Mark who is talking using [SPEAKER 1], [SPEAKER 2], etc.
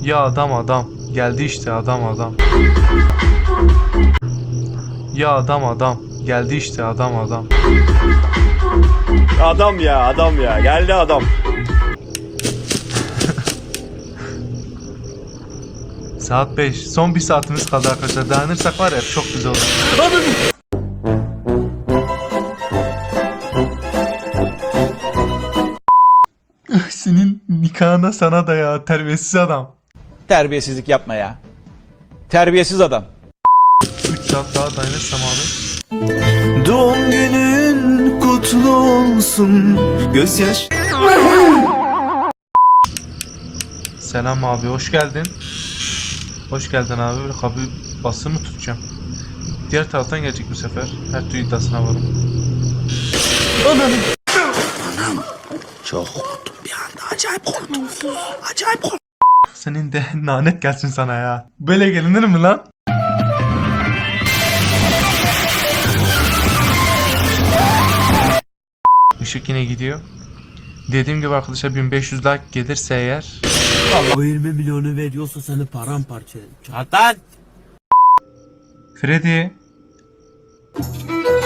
[SPEAKER 1] Ya adam geldi işte adam. Ya adam geldi işte adam.
[SPEAKER 2] Adam ya geldi adam.
[SPEAKER 1] Saat 5. Son bir saatimiz kaldı arkadaşlar. Dayanırsak var ya çok güzel olur. Senin nikahına sana da ya terbiyesiz adam.
[SPEAKER 3] Terbiyesizlik yapma ya. Terbiyesiz adam.
[SPEAKER 1] 3 saat daha dayanırsam abi.
[SPEAKER 4] Doğum günün kutlu olsun. Gözyaş.
[SPEAKER 1] Selam abi, hoş geldin. Hoş geldin abi. Böyle kapı bası mı tutacağım? Diğer taraftan gelecek bu sefer. Her türlü iddiasına varım. Ananı.
[SPEAKER 4] Çok korktum bir anda. Acayip korktum. Acayip korktum.
[SPEAKER 1] Senin de lanet gelsin sana ya. Böyle gelinir mi lan? Işık yine gidiyor. Dediğim gibi arkadaşlar 1500 like gelirse eğer.
[SPEAKER 5] O 20 milyonu veriyorsa seni paramparça ederim. Çatan!
[SPEAKER 1] Freddy.